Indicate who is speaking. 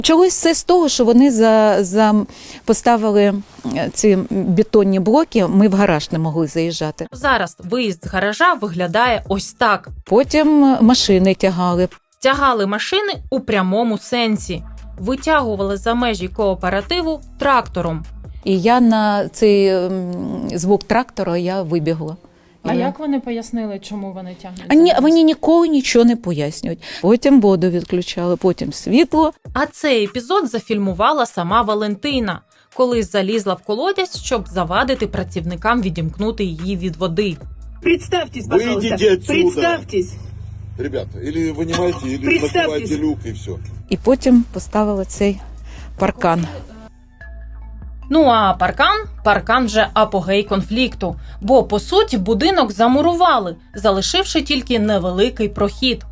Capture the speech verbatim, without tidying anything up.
Speaker 1: Почалось все з того, що вони за, за поставили ці бетонні блоки, ми в гараж не могли заїжджати.
Speaker 2: Зараз виїзд з гаража виглядає ось так.
Speaker 1: Потім машини тягали.
Speaker 2: Тягали машини у прямому сенсі. Витягували за межі кооперативу трактором.
Speaker 1: І я на цей м, звук трактора я вибігла.
Speaker 3: А
Speaker 1: І-
Speaker 3: як вони пояснили, чому вони тягнуть?
Speaker 1: А ні,
Speaker 3: за нас?
Speaker 1: вони ніколи нічого не пояснюють. Потім воду відключали, потім світло.
Speaker 2: А цей епізод зафільмувала сама Валентина, коли залізла в колодязь, щоб завадити працівникам відімкнути її від води.
Speaker 4: Представьтесь, пожалуйста.
Speaker 5: Выйдите отсюда.
Speaker 4: Представьтесь.
Speaker 5: Ребята, или вынимайте, или
Speaker 4: Представьтесь.
Speaker 5: закрывайте люк и все.
Speaker 1: І потім поставили цей паркан.
Speaker 2: Ну а паркан? Паркан вже апогей конфлікту. Бо, по суті, будинок замурували, залишивши тільки невеликий прохід.